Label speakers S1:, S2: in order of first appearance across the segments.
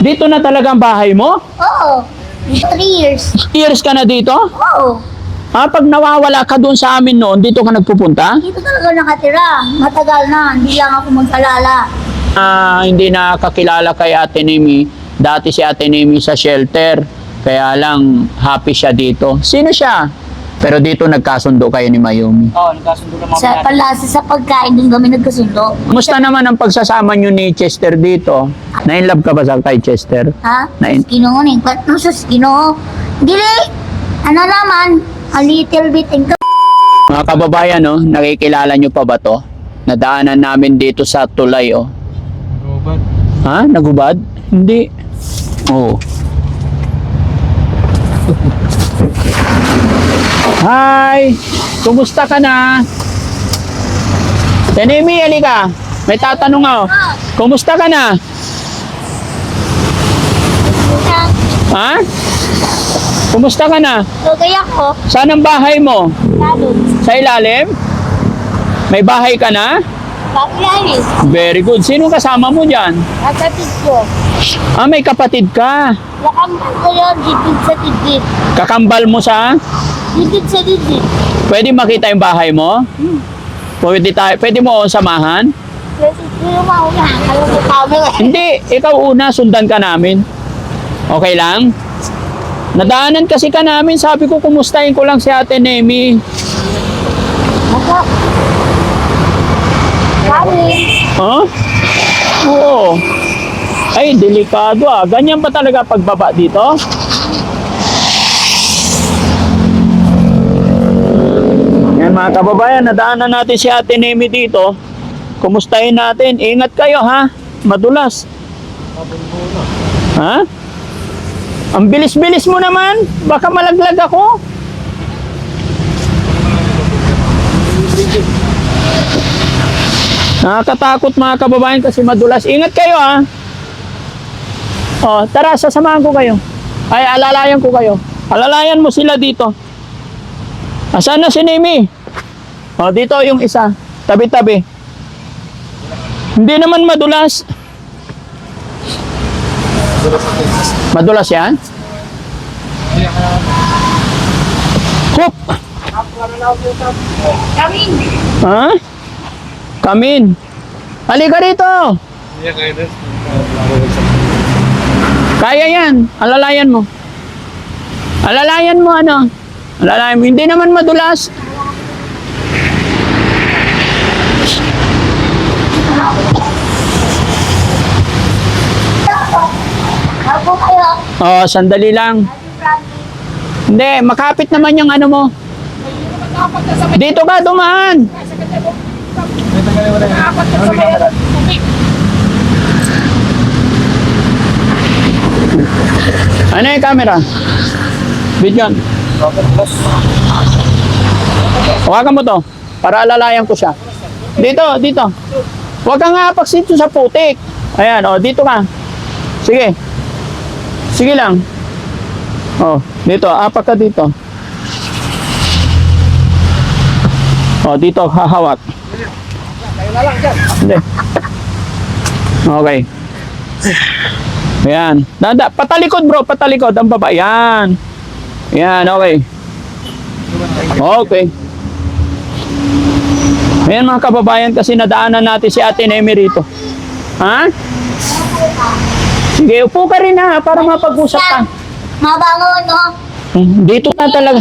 S1: Dito na talaga ang bahay mo?
S2: Oo. 3 years.
S1: Years ka na dito?
S2: Oo.
S1: Pag nawawala ka doon sa amin noon, dito ka nagpupunta?
S2: Dito talaga nakatira. Matagal na. Hindi lang ako mag-alala.
S1: Hindi nakakilala kay Ate Nemi. Dati si Ate Nemi sa shelter. Kaya lang happy siya dito. Sino siya? Pero dito nagkasundo kayo ni Mayumi.
S3: Oo, nagkasundo naman
S2: Sa palasa sa pagkain, doon kami nagkasundo.
S1: Kumusta naman ang pagsasama nyo ni Chester dito? Na-inlove ka ba sa kay Chester?
S2: Ha?
S1: Nain-
S2: Ginoo ni. Ba't nung sa ginoo? Dili. Ano naman? A little bit.
S1: Mga kababayan, no, nakikilala nyo pa ba to? Nadaanan namin dito sa tulay, oh.
S3: Robot.
S1: Ha? Nagubad? Hindi. Oo. Hi! Kumusta ka na? Tenemi, halika. May tatanong ako. Kumusta ka na? Ha? Kumusta ka na?
S2: So, kaya ko,
S1: Saan ang bahay mo?
S2: lalo.
S1: Sa ilalim? May bahay ka na?
S2: Pakialis.
S1: Very good. Sino kasama mo dyan?
S2: Kapatid ko.
S1: May kapatid ka.
S2: Nakambal ko yun. Didid sa didid.
S1: Kakambal mo sa?
S2: Didid sa didid.
S1: Pwede makita yung bahay mo? Pwede mo akong samahan?
S2: Kasi sino mauna. Alam mo kami.
S1: Hindi, ikaw una, sundan ka namin. Okay lang? Nadaanan kasi ka namin, sabi ko kumustahin ko lang si Ate Nemi.
S2: Ako. Kami.
S1: Huh? Oo. Ay, delikado ah. Ganyan ba talaga pagbaba dito? Yan mga kababayan, nadaanan natin si Ate Nemi dito. Kumustahin natin. Ingat kayo ha. Madulas. Ha? Ang bilis-bilis mo naman. Baka malaglag ako. Nakakatakot mga kababayan kasi madulas. Ingat kayo ha. Tara, sasamahan ko kayo. Ay, alalayan ko kayo. Alalayan mo sila dito. Asan na si Nemi? Dito yung isa. Tabi-tabi. Hindi naman madulas. Madulas yan? Hop!
S2: Kami.
S1: Ha? Kamin. Halika rito. Kaya yan. Alalayan mo. Alalayan mo ano? Alalayan mo. Hindi naman madulas.
S2: Ako kayo.
S1: Sandali lang. Hindi, makapit naman yung ano mo. Dito ka, dumaan. Ano yung camera? Video. Hawakan mo to para alalayan ko siya. Dito, dito. Huwag kang apaks dito sa putik. Ayan, dito ka. Sige. Sige lang. Dito, apak ka dito. Dito, hahawak. Hindi. Okay. Ayan. Patalikod bro, patalikod. Ang baba. Ayan. Ayan, okay. Okay. Ayan mga kababayan kasi nadaanan natin si Ate Nemi rito. Ha? Sige, upo ka rin ha para mapag-usap ka.
S2: Mabango, no?
S1: Dito na talaga.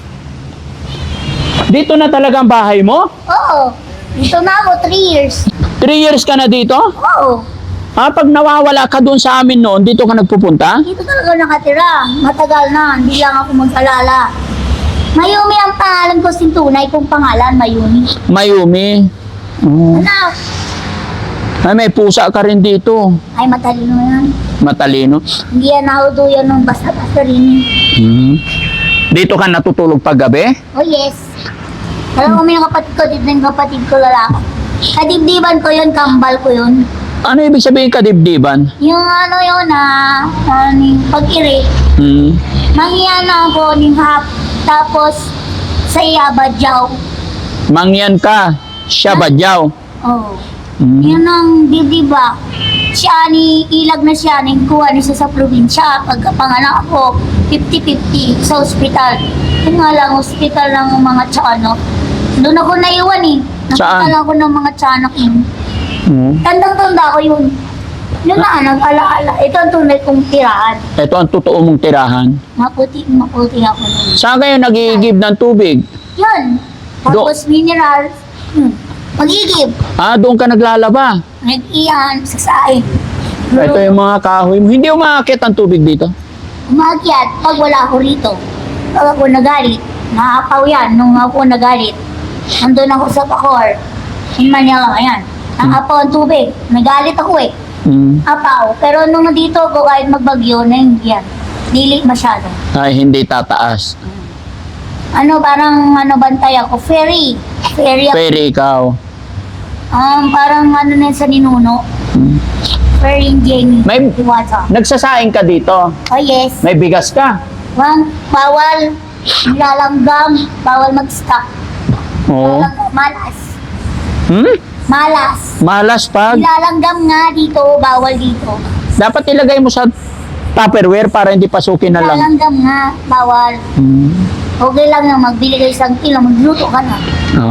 S1: Dito na talaga ang bahay mo?
S2: Oo. Dito na ako, 3 years.
S1: 3 years ka na dito?
S2: Oo.
S1: Pag nawawala ka doon sa amin noon, dito ka nagpupunta?
S2: Dito talaga nakatira. Matagal na. Hindi lang ako mag-alala. Mayumi ang pangalan ko, sintunay kong pangalan, Mayumi.
S1: Mayumi.
S2: Anak,
S1: Ay, may pusa ka rin dito.
S2: ay matalino yan.
S1: Matalino.
S2: Hindi yan nauduyan ng basta-basta rin.
S1: Dito ka natutulog pag gabi?
S2: Oh yes. Alam mo, may kapatid ko, dito yung kapatid ko lalaki. Kadibdiban ko yun, kambal ko yun.
S1: Ano ibig sabihin kadibdiban?
S2: Yung ano yun pag-iri. Mangyana ako ng hap, tapos sa iya badyaw.
S1: Mangyan ka, siya badyaw.
S2: Oh. Yun ang diba, ilag na siya, kuha niya sa probinsya. Pagkapanganak ako, 50-50 sa ospital. Yun nga lang, ospital ng mga tsano. Doon ako naiwan eh. Nakita
S1: Saan?
S2: lang ako ng mga tsanak yun. Tandang-tanda ko yun. Yun na, nag-alaala. Ito ang tunay kong tirahan.
S1: Ito ang totoo mong tirahan.
S2: Maputi ako nun.
S1: Saan kayo nag-iigib ng tubig?
S2: Yun. Tapos mineral. Magigib.
S1: Doon ka naglalaba.
S2: Nag-iyan, sasain.
S1: Ito yung mga kahoy mo. Hindi umaakit ang tubig dito.
S2: Umakyat pag wala ako rito. Pag ako nagalit, naapaw yan nung ako nagalit. Nandun ako sa Bacoor. In Manila, ayan. Naapaw ang tubig. Nagalit ako eh. Apaw. Pero nung nandito ako, kahit magbagyo na yan. Dili masyado.
S1: Ay, hindi tataas.
S2: Parang bantay ako. Ferry. Ferry ako.
S1: Pero ikaw.
S2: Parang na sa ninuno. Ferry in Jenny.
S1: May-
S2: Iwata.
S1: Nagsasaing ka dito.
S2: Oh yes.
S1: May bigas ka.
S2: Bawal. Nilalanggam. Bawal mag-stock.
S1: Oo.
S2: Malas. Malas.
S1: Malas pag.
S2: Nilalanggam nga dito. Bawal dito.
S1: Dapat ilagay mo sa Tupperware para hindi pasukin na lang.
S2: Nilalanggam nga. Bawal. Okay lang na magbili ka 1 kilo. Magluto ka na.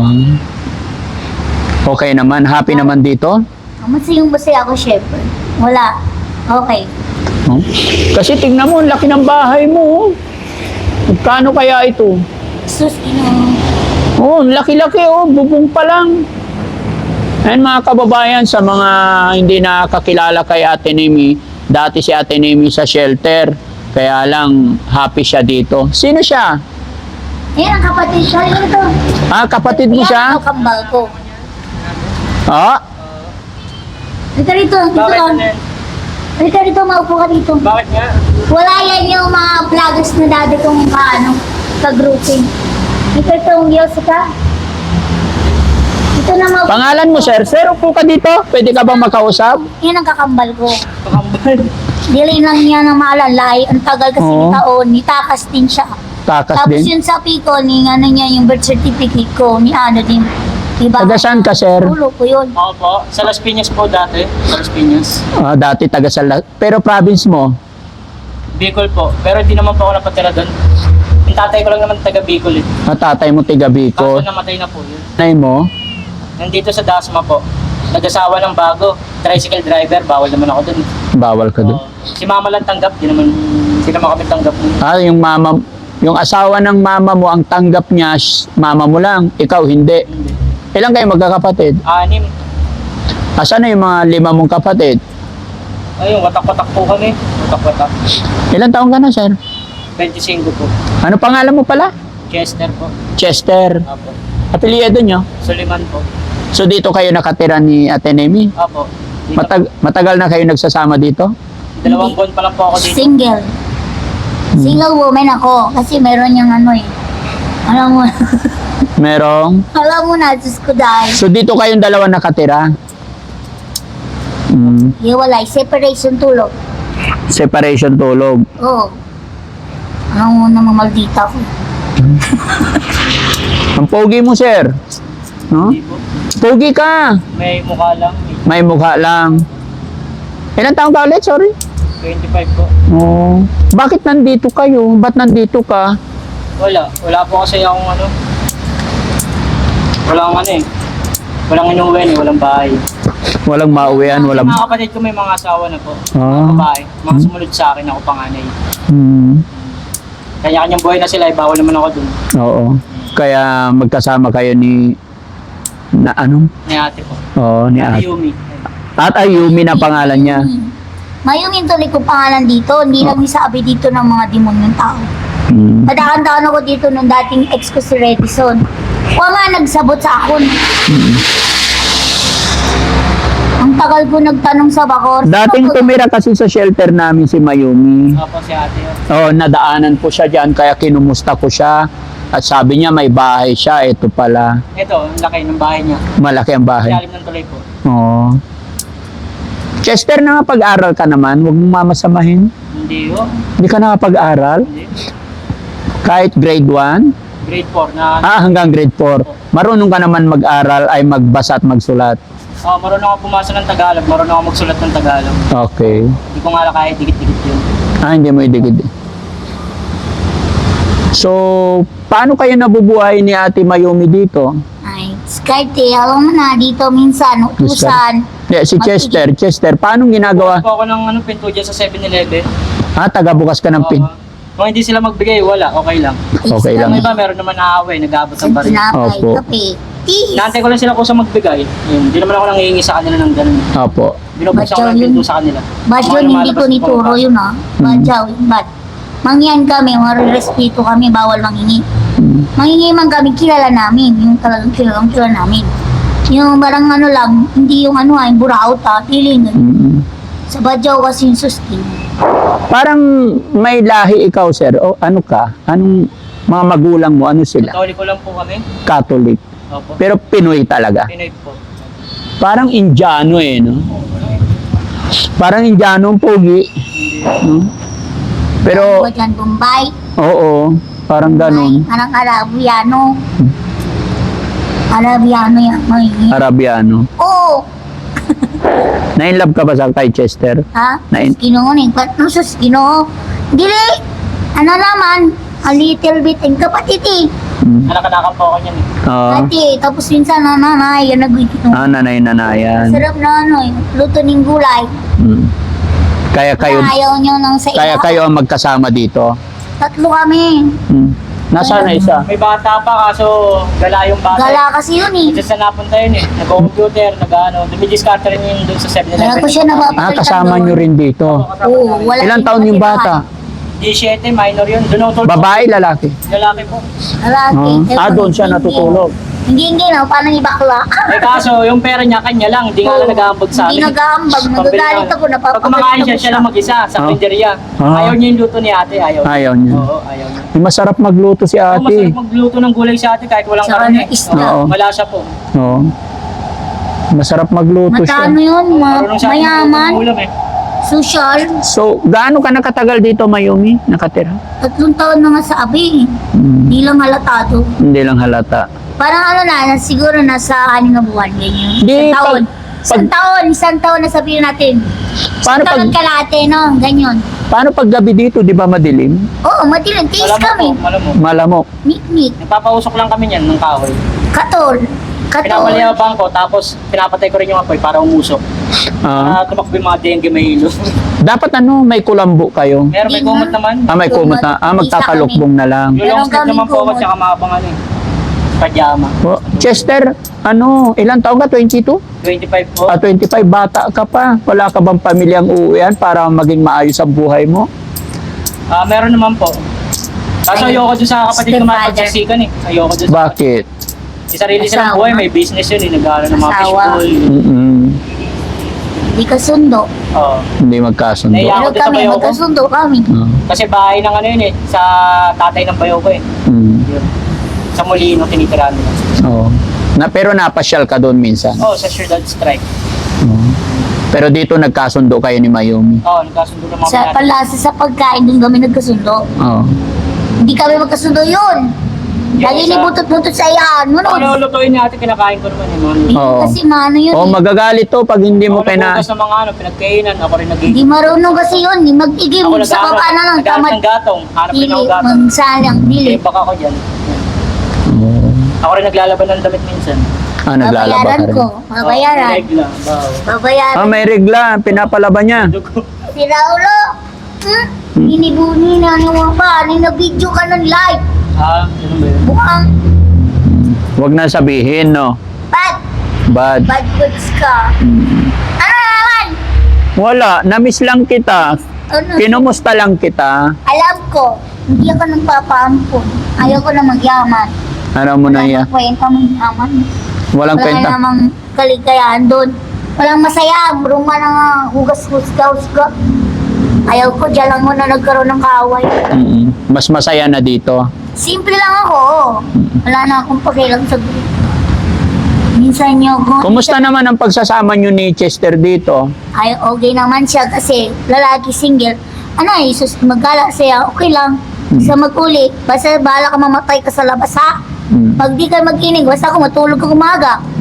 S1: Okay naman. Happy naman dito.
S2: Masayang-masaya ako, chef. Wala. Okay.
S1: Kasi tingnan mo, ang laki ng bahay mo. Magkano kaya ito?
S2: Sus,
S1: Ang laki-laki bubong pa lang. Ayan mga kababayan, sa mga hindi nakakilala kay Ate Nemi, dati si Ate Nemi sa shelter, kaya lang happy siya dito. Sino siya?
S2: Yan ang kapatid siya. Yan ito.
S1: Kapatid mo
S2: Yan
S1: siya?
S2: ang kambal ko. Halika rito. Dito lang. Halika rito, maupo ka dito.
S3: Bakit nga?
S2: Wala yan yung mga vloggers na dati kong ka-grouping. Halika rito, umiyos ka. Ito na maupo.
S1: Pangalan mo, sir? Sir, upo ka dito. Pwede ka bang makausap?
S2: Yan ang kakambal ko.
S3: Pakambal.
S2: Dili lang niya na maalalay. Ang tagal kasi
S1: Oo.
S2: ni taon. Nitakas din siya.
S1: Takas
S2: Tapos
S1: din.
S2: yun sa Pico, niya yung birth certificate ko, ni din. Diba?
S1: Taga saan ka, sir?
S2: Ulo ko yun.
S3: Ako po, sa Las Piñas po dati. Sa Las Piñas.
S1: Dati taga pero province mo?
S3: Bicol po. Pero hindi naman po ako napatira doon. Yung tatay ko lang naman taga Bicol eh.
S1: Tatay mo tiga
S3: Kaso
S1: Bicol.
S3: namatay na po yun.
S1: Nay mo?
S3: Nandito sa Dasma po. Nag-asawa ng bago. Tricycle driver. Bawal naman ako doon.
S1: Bawal ka doon.
S3: Si mama lang tanggap. Hindi naman kami tanggap.
S1: Yung asawa ng mama mo, ang tanggap niya, mama mo lang, ikaw hindi.
S3: Hindi.
S1: Ilan kayo magkakapatid?
S3: 6.
S1: Asan na yung mga 5 mong kapatid?
S3: Ayun, watak-watak po kami. Watak-watak.
S1: Ilan taon ka na, sir?
S3: 25 po.
S1: Ano pangalan mo pala?
S3: Chester po.
S1: Chester.
S3: Apo.
S1: Apelyido nyo?
S3: Suliman po.
S1: So dito kayo nakatira ni Ate Nemi?
S3: Apo. Dito,
S1: Matagal na kayo nagsasama dito?
S3: 2 buwan pa lang po ako dito.
S2: Single. Single woman ako. Kasi meron yung alam mo,
S1: Merong?
S2: alam mo na, Diyos ko dahil.
S1: So dito kayong dalawa nakatira?
S2: Hiwalay, separation tulog.
S1: Separation tulog.
S2: Oo. Alam mo na maldita ko.
S1: Ang pogi mo, sir. No?
S3: Hindi po.
S1: Pogi ka.
S3: May mukha lang.
S1: May mukha lang. Ilan taong ka ulit? Sorry.
S3: 25 po.
S1: Oh. Bakit nandito kayo? Ba't nandito ka?
S3: Wala. Wala po kasi akong walang walang inuwi, walang bahay.
S1: Walang mauwian, walang...
S3: Mga kapatid ko may mga asawa na po.
S1: Ah.
S3: Mga babae. Mga sumunod sa akin, ako panganay.
S1: Hmm.
S3: Kanya-kanyang buhay na sila, bawal naman ako dun.
S1: Oo. Kaya magkasama kayo ni... Na ano?
S3: Ni ate po.
S1: Oo, ni
S3: Ate
S1: Ate.
S3: Yumi.
S1: At Ayumi na pangalan niya.
S2: Mayroong tuloy kong pangalan dito. Hindi lang isabi dito ng mga demonyong tao. Nadaan-daan ako dito nung dating ex ko si Redison. Wala nagsabot sa akon. Ang tagal ko nagtanong sa Bacoor.
S1: Dating tumira kasi sa shelter namin si Mayumi.
S3: Ako si ate yun.
S1: Oo, nadaanan po siya dyan, kaya kinumusta ko siya. At sabi niya may bahay siya, ito pala.
S3: Ito, ang laki ng bahay niya.
S1: Malaki ang bahay.
S3: Ilalim ng tuloy po.
S1: Oo. Chester, nakapag-aral ka naman, huwag mong mamasamahin.
S3: Hindi ho.
S1: Hindi ka nakapag-aral?
S3: Hindi.
S1: Kahit grade 1?
S3: Grade 4 na
S1: Hanggang grade 4. Marunong ka naman mag-aral ay magbasa at magsulat.
S3: Marunong ako pumasa ng Tagalog, marunong ako magsulat ng Tagalog.
S1: Okay.
S3: Hindi ko nga kahit dikit-dikit yun.
S1: Hindi mo idigid. So, paano kayo nabubuhay ni Ate Mayumi dito?
S2: Ay, skarte, alam mo na, dito minsan, utusan.
S1: Si Chester, paano ginagawa?
S3: Bukas po ako ng pinto dyan sa 7-Eleven.
S1: Taga-bukas ka ng pin.
S3: Kung hindi sila magbigay, wala, okay lang.
S1: Okay lang.
S3: May iba, meron naman naaway, nag-aabot ng baril.
S2: Sinapay,
S1: Opo.
S2: kape, tea.
S3: Naantay ko lang sila kung sa magbigay. Yun, hindi naman ako nangihingi sa kanila ng ganun.
S1: Opo.
S3: Binubuksan ko
S2: Ba't
S3: lang
S2: yun?
S3: pinto sa kanila.
S2: Bad
S3: Mga
S2: yun, hindi
S3: lumalabas
S2: ko
S3: na
S2: nituro
S3: pumapasok.
S2: yun Badyaw, bad. Mangyan kami, marirespeto kami, bawal mangingi. Mangingi man kami, kilala namin. Yung talagang kilala namin. Yung barang lang, hindi yung yung buraot feeling. Sa badyaw kasi yung sustain.
S1: Parang may lahi ikaw, sir. O ano ka? Anong mga magulang mo? Ano sila?
S3: Katoliko lang po kami.
S1: Catholic.
S3: Opo.
S1: Pero Pinoy talaga.
S3: Pinoy po.
S1: Parang Indiano no? Parang Indiano ang pogi. No? Pero,
S2: Ako dyan, Bombay.
S1: oo. Parang ganun.
S2: Parang Arabiano. Arabiano yan.
S1: Arabiano.
S2: Oo.
S1: Na-inlove ka ba sa kay Chester?
S2: Ha?
S1: Nain-
S2: Ginoo ni. Ba't no sus ginoo? Dili. Ano naman? A little bit. Ang kapatid eh.
S3: Anak-anakan po ako niyan eh.
S2: Ate, tapos minsan nanay, yan nagwikito.
S1: Nanay-nanayan.
S2: Sarap na luto ng gulay.
S1: Kaya kayo,
S2: Ayaw nyo nang sa
S1: kaya kayo ang magkasama dito.
S2: Tatlo kami.
S1: Nasaan na isa?
S3: May bata pa kaso gala yung bata.
S2: Gala kasi yun eh.
S3: Kasi saan napunta yun eh. Nag-computer, dumidiscard rin yun doon sa 7-Eleven.
S2: Kaya ko siya napapalitan
S1: Kasama
S2: doon.
S1: nyo rin dito.
S2: Oo, wala.
S1: Ilang taon yung bata?
S3: 17, minor yun. Doon ako tulog.
S1: Babae, lalaki?
S3: Lalaki po.
S2: Lalaki.
S1: Doon siya natutulog.
S2: Hindi na, paano ibakla?
S3: Eh kaso, yung pera niya, kanya lang. Hindi nga lang nag-aambag sa amin.
S2: Hindi nag-aambag. Nagagalit ako,
S3: Pag kumakain siya, siya lang mag-isa sa karinderya. Ayaw niya yung luto ni ate, ayaw.
S1: Ayaw niya.
S3: Oo, ayaw niya.
S1: Masarap magluto si
S3: Masarap
S1: ate.
S3: magluto ng gulay si ate kahit walang
S2: Saka
S3: karne.
S2: ng isda.
S1: Oo.
S3: Malasa po.
S1: Oo. Masarap magluto siya.
S2: Matano yun,
S3: Marunong siya
S2: mayaman,
S3: magluto ng ulam eh.
S2: social.
S1: So, gaano ka nakatagal dito, Mayumi? Nakatira?
S2: 3 taon na nga sa abi. Hindi lang halatado.
S1: Hindi lang halata.
S2: Parang siguro nasa 6 na buwan, ganyan.
S1: Di,
S2: Isang taon na sabihin natin.
S1: Paano
S2: Isang taon
S1: pag-
S2: kalate, no? Ganyan.
S1: Paano pag gabi dito, di ba madilim?
S2: Oo, matilang. Tiis
S3: Malamok
S2: kami.
S3: po, malamok.
S1: Malamok.
S2: Mikmik.
S3: Nagpapausok lang kami niyan ng kahoy.
S2: Katol.
S3: Pinapali ang bangko, tapos pinapatay ko rin yung apoy para umusok.
S1: Ah,
S3: Tumakbo yung mga dengue may hilo.
S1: dapat may kulambo kayo.
S3: Meron may
S2: Di
S3: kumot
S2: nga.
S3: naman.
S1: May kumot na. Magtatalukbong na lang.
S3: Yung long sleeve
S2: Meron
S3: naman po ako,
S2: kaming
S3: tsaka mahabang pajama.
S1: Chester, ilang taon ka? 22?
S3: 25 po.
S1: 25, bata ka pa. Wala ka bang pamilyang uuwian para maging maayos ang buhay mo?
S3: Meron naman po. Kaso
S2: Ay,
S3: ayoko dun sa kapatid ko
S2: stepfather.
S3: mapagsiksikan eh. Ayoko dun sa
S1: Bakit?
S3: May sarili silang
S2: Asawa.
S3: buhay, may business yun eh. Nag-aaral ng mga
S2: Asawa.
S3: fishbowl.
S2: Hindi kasundo.
S3: Oo.
S1: Hindi magkasundo.
S3: Naiya-
S2: Pero
S3: Ako din sa
S2: kami,
S3: bayaw ko.
S2: magkasundo kami.
S3: Kasi bahay ng yun eh. Sa tatay ng bayaw ko eh. Yun. Sa Molino, tinitirahan nila.
S1: Oo. Pero napasyal ka doon minsan.
S3: Sa Ciudad Strike.
S1: Oo. Pero dito nagkasundo kayo ni Mayumi.
S3: Nagkasundo ng mga
S2: Sa palasa sa pagkain, doon kami nagkasundo.
S1: Oo.
S2: Hindi kami magkasundo yun. Lagi ni butot-butot sa iyan.
S3: Ano lulutuin ni ate, kinakain ko naman eh.
S1: Oo.
S2: Kasi mano yun.
S1: Oh, magagalit to pag hindi mo
S3: Ako
S1: kina...
S3: nagbukas ng mga pinagkainan, ako rin
S2: Hindi marunong kasi yun. Mag-igim
S3: Ako
S2: sa baba na lang.
S3: nag-aaral
S2: Tamad
S3: ng gatong. Hanap rin
S2: pili.
S3: ako gatong.
S2: Magsalang pili.
S3: Eh, baka ako dyan.
S1: Oo.
S3: Ako rin naglalaban ng damit minsan.
S1: Naglalaba ka
S2: Babayaran
S1: rin.
S2: ko. Babayaran.
S3: Regla. Wow.
S2: Babayaran.
S1: May regla. Pinapalaban niya.
S3: Dugo.
S2: Si Raulo. Inibuni na niyo pa. Nina-video ka ng live.
S3: Ano ba yun?
S2: Mukhang
S1: Huwag na sabihin, no?
S2: bad
S1: Bad.
S2: words ka. Ano naman?
S1: Wala. Namiss lang kita.
S2: Ano?
S1: Kinumusta lang kita.
S2: Alam ko, hindi ako nagpapaampun. Ayaw ko na magyaman.
S1: Ano mo na yan?
S2: Walang kwenta magyaman.
S1: Walang
S2: Wala
S1: kwenta.
S2: namang kaligayahan doon. Walang masaya. Bruma na nga, hugas-husga-husga. Ayaw ko, dyan lang muna nagkaroon ng kaaway.
S1: Mas masaya na dito.
S2: Simple lang ako. Wala na akong pakialam sa group. Minsan nyo ko.
S1: Kumusta naman ang pagsasama nyo ni Chester dito?
S2: Ay, okay naman siya kasi lalaki single. Sus, magkala siya, okay lang. Sa mag-uli, basta bahala ka mamatay ka sa labas ha. Pag di ka mag-inig, basta ako matulog ka umaga.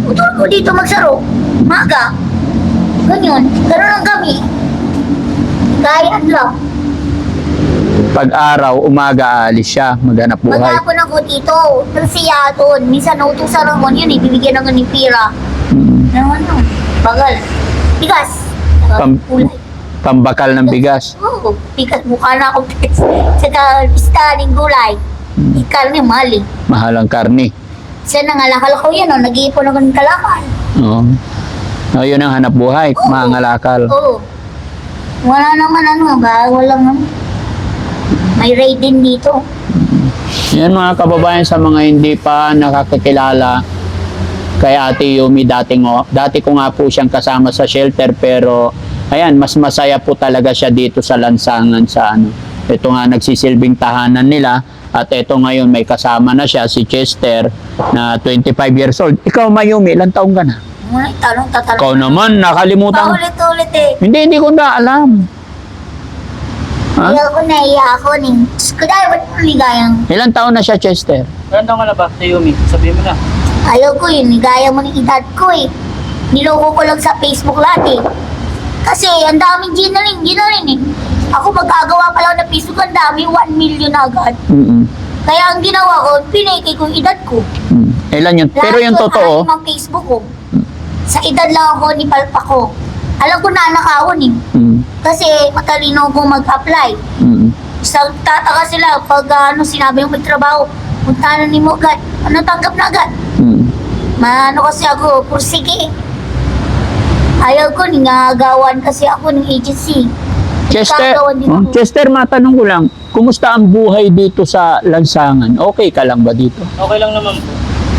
S2: Utulog ko dito magsaro. Maga. Ganyan. Ganun lang kami. Gayaan lang.
S1: Pag araw, umaga alis siya, maghanap buhay.
S2: Maghapon ako dito. Nagsiya doon. Minsan nautusan ako yun eh. Bibigyan ako ni Pira.
S1: Mm.
S2: Ano? Bagal. Bigas.
S1: Pam-
S2: Kulay.
S1: Pambakal ng bigas.
S2: Oo. Bigas. Mukha na ako. Saka staling gulay. Karne mali.
S1: Mahal ang karne.
S2: Siya nangalakal ko yan. Nag-iipon ako ng kalakal.
S1: Oo. Oh, yun ang hanap buhay,
S2: Oo.
S1: mangangalakal.
S2: Oo. Wala naman ano ba? Walang may raid din dito.
S1: Yan mga kababayan, sa mga hindi pa nakakakilala kay Ate Yumi, dati ko nga po siyang kasama sa shelter, pero ayan, mas masaya po talaga siya dito sa lansangan sa ano. Ito nga nagsisilbing tahanan nila, at ito ngayon may kasama na siya, si Chester, na 25 years old. Ikaw, Mayumi, ilang taong ka na?
S2: Mga tanong tatanong.
S1: Ikaw naman, nakalimutan.
S2: Paulit-ulit eh.
S1: Hindi ko na alam. Ha?
S2: Iya ko na iya ako ning. Kaya ba't mo ligayang?
S1: Ilang taon na siya, Chester?
S3: Ilan taon ka na ba, Tayumi? Sabihin mo na.
S2: Ayaw ko yun, ligaya mo ng edad ko eh. Niloko ko lang sa Facebook lahat eh. Kasi ang daming ginaling eh. Ako magkagawa pa lang ng Facebook, ang dami, 1 million agad.
S1: Mm-mm.
S2: Kaya ang ginawa ko, pinake ko yung edad ko.
S1: Mm. Ilan yun? Pero yung totoo,
S2: Lahat ko Facebook ko. Sa edad lang ako ni Palpa ko. Alam ko na nakawon eh. Kasi matalino ko mag-apply. Sa tataka sila pag sinabi yung magtrabaho, punta na ni mo agad. Tanggap na agad. Maano kasi ako, pursige. Ayaw ko, ningagawan kasi ako ng agency.
S1: Chester,
S2: Nagkagawan din ako.
S1: Chester, matanong ko lang, kumusta ang buhay dito sa lansangan? Okay ka lang ba dito?
S3: Okay lang naman po.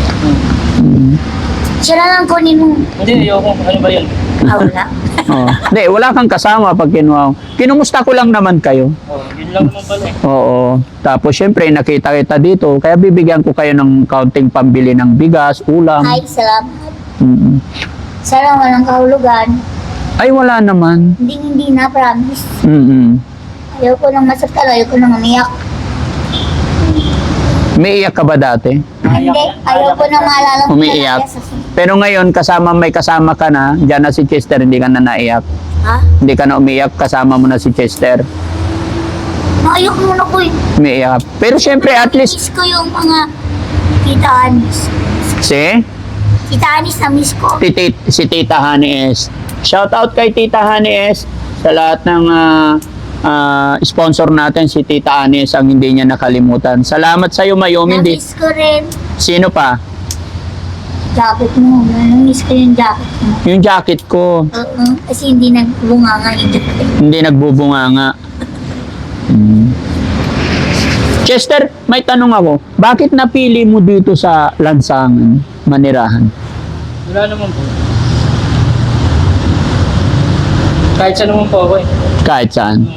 S2: Siya na lang kunin mo.
S3: Hindi, ayoko. Ano ba yun?
S2: Wala.
S1: Oh. Hindi, wala kang kasama pag kinuha. Kinumusta ko lang naman kayo.
S3: Oh, yun lang naman pala eh.
S1: Oo. Tapos syempre, nakita kita dito, kaya bibigyan ko kayo ng kaunting pambili ng bigas, ulam.
S2: Ay, salamat.
S1: Mm.
S2: Sana walang kahulugan.
S1: Ay, wala naman.
S2: Hindi na, promise.
S1: Mm-mm.
S2: Ayaw ko nang masaktan, ayaw ko nang umiyak.
S1: May iyak ka ba dati?
S2: Hindi, ayaw ko nang maalala ko
S1: Umiiyak.
S2: talaga sa-
S1: Pero ngayon, may kasama ka na, dyan na si Chester, hindi ka na naiyak.
S2: Ha?
S1: Hindi ka na umiyak, kasama mo na si Chester.
S2: Ayaw muna ko eh.
S1: Umiiyak. Pero syempre, at least,
S2: Miss ko yung mga Tita Anis.
S1: si
S2: Tita Anis na miss ko.
S1: si Tita Honey S. Shout out kay Tita Honey S sa lahat ng sponsor natin, si Tita Honey S ang hindi niya nakalimutan. Salamat sa iyo, Mayumi.
S2: Na-miss ko rin.
S1: Sino pa?
S2: Jacket mo. Na-miss ko yung jacket mo.
S1: Yung jacket ko,
S2: Oo, kasi hindi nagbunga nga yung jacket.
S1: hindi nagbubunganga. Chester, may tanong ako. Bakit napili mo dito sa lansangan, manirahan?
S3: Wala naman po. Kahit saan naman po ako eh.
S1: Kahit saan?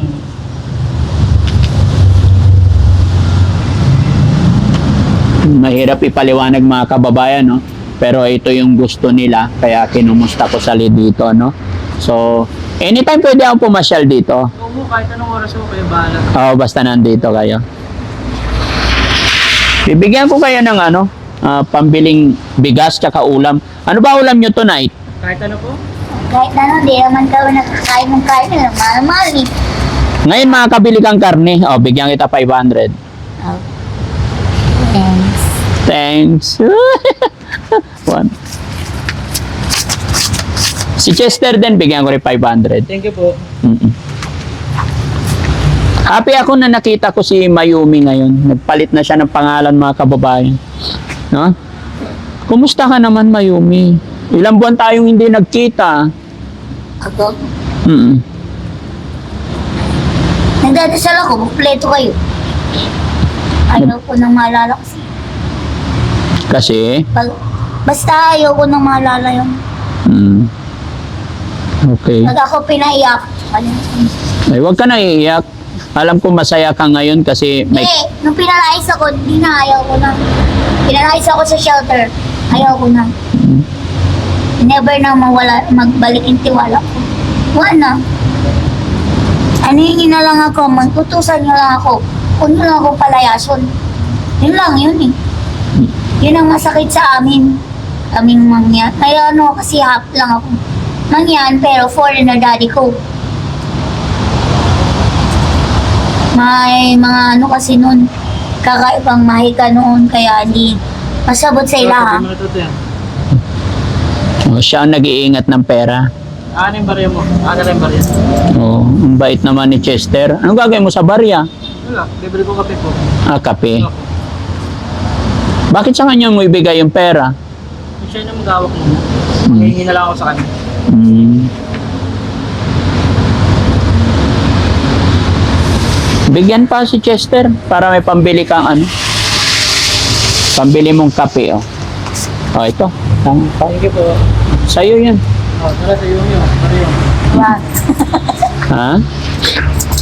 S1: Mahirap ipaliwanag mga kababayan, no? Pero ito yung gusto nila, kaya kinumusta ko sali dito, no? So, anytime pwede akong pumasyal dito.
S3: Oo, kahit anong oras po kayo bahala.
S1: Oo, basta nandito kayo. Bibigyan ko kayo ng pambiling bigas tsaka ulam. Ano ba ulam nyo tonight?
S3: Kahit ano po?
S2: Kahit ano, di naman kami nakakain ng kain nila. Mahal-mahal eh.
S1: Ngayon makakabili kang karne. O, bigyan kita 500.
S2: Oh. Thanks.
S1: Thanks. One. Si Chester din, bigyan ko rin 500.
S3: Thank you po.
S1: Mm-mm. Happy ako na nakita ko si Mayumi ngayon. Nagpalit na siya ng pangalan, mga kababayan. No? Kumusta ka naman, Mayumi? Ilang buwan tayong hindi nagkita.
S2: Ako?
S1: Mm-mm.
S2: Nagdadasal ako, kompleto kayo. Ayaw ko nang maalala kasi.
S1: Kasi,
S2: Basta ayaw ko nang maalala yung
S1: okay.
S2: pag ako pinaiyak.
S1: Ay, huwag ka na iiyak. Alam ko masaya ka ngayon kasi may...
S2: Hindi, nung pinalais ako, di na ayaw ko na. Pinalais ako sa shelter, ayaw ko na. Never na magbalik yung tiwala ko. Wala. Ano yun na lang ako, magtutusan nyo lang ako. Huwag nyo lang ako palayason. Yun lang yun eh. Yun ang masakit sa amin. kaming mangyan. May ano kasi half lang ako. Mangyan, pero foreigner daddy ko. May mga ano kasi nun, kakaibang mahika noon, kaya hindi masabot sa ilaha.
S1: Oh, siya ang nag-iingat ng pera.
S3: Ano yung barya mo? Ano rin barya?
S1: Oh, ang bait naman ni Chester. Anong gagawin mo sa barya?
S3: Wala, libre ko kape po.
S1: Ah, kape. Bakit sa kanya mo ibigay yung pera?
S3: Siya na mag-awak mo. Hihingi na lang ako sa kanya.
S1: Hmm. Bigyan pa si Chester para may pambili kang ano. Pambili mong kape, oh. Oh, ito.
S3: Thank you po.
S1: Sa'yo yun.
S3: Tara sa iyo yun. Tara yun.
S2: Yan.
S1: Ha?